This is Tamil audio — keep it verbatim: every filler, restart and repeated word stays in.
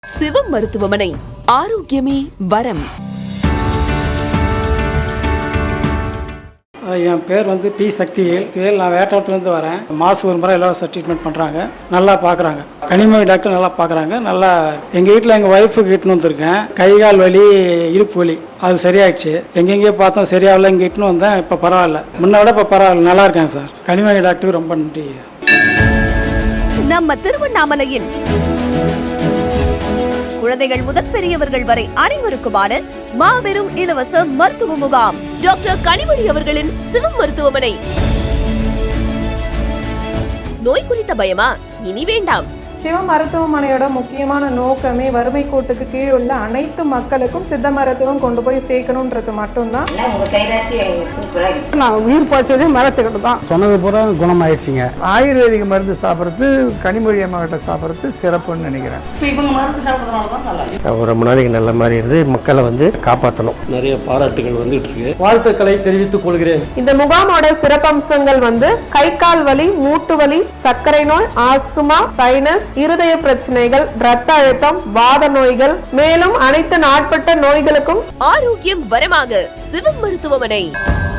சிவம் மருத்துவமனை, ஆரோக்கியமே வரம். என் பேர் வந்து பி சக்திவேல். நான் வேட்டாளத்துலேருந்து வரேன். மாதம் ஒரு முறை எல்லாம் ட்ரீட்மெண்ட் பண்ணுறாங்க, நல்லா பார்க்குறாங்க. கனிமொழி டாக்டர் நல்லா பார்க்குறாங்க. நல்லா எங்கள் வீட்டில் எங்கள் ஒய்ஃபுக்கு இட்டுன்னு வந்திருக்கேன். கை கால் வலி, இடுப்பு வலி அது சரியாயிடுச்சு. எங்கெங்கேயோ பார்த்தோம் சரியாகல, இங்கே இட்டுன்னு வந்தேன். இப்போ பரவாயில்ல, முன்ன விட இப்போ பரவாயில்ல, நல்லா இருக்காங்க சார். கனிமொழி டாக்டருக்கு ரொம்ப நன்றி. நம்ம திருவண்ணாமலையில் குழந்தைகள் முதல் பெரியவர்கள் வரை அனைவருக்குமான மாபெரும் இலவச மருத்துவ முகாம். டாக்டர் கனிமொழி அவர்களின் சிவம் மருத்துவமனை. நோய் குறித்த பயமா? இனி வேண்டாம். சிவ மருத்துவமனையோட முக்கியமான நோக்கமே வறுமை கோட்டுக்கு கீழ் உள்ள அனைத்து மக்களுக்கும் சித்த மருத்துவம் கொண்டு போய் சேர்க்கணுன்றது மட்டும்தான். நான் உயிர் பாய்ச்சதே மரத்துக்கிட்ட தான். சொன்னது பூரா குணமாயிடுச்சிங்க. ஆயுர்வேதிக மருந்து சாப்பிட்றது, கனிமொழி அம்மா கிட்ட சாப்பிட்றது சிறப்புன்னு நினைக்கிறேன். இவங்க மருந்து சாப்பிட்றதுனால தான் நல்லா ஒரு முன்னாடிக்கு நல்ல மாதிரி இருந்து மக்களை வந்து காப்பாற்றணும். நிறைய பாராட்டுகள் வந்துட்டு இருக்கு. வாழ்த்துக்களை தெரிவித்துக் கொள்கிறேன். இந்த முகாமோட சிறப்பம்சங்கள் வந்து கை கால் வலி, மூட்டு வலி, சர்க்கரை நோய், ஆஸ்துமா, சைனஸ், இருதய பிரச்சனைகள், இரத்த அழுத்தம், வாத நோய்கள், மேலும் அனைத்து நாட்பட்ட நோய்களுக்கும் ஆரோக்கியம் வரமாக சிவம் மருத்துவமனை.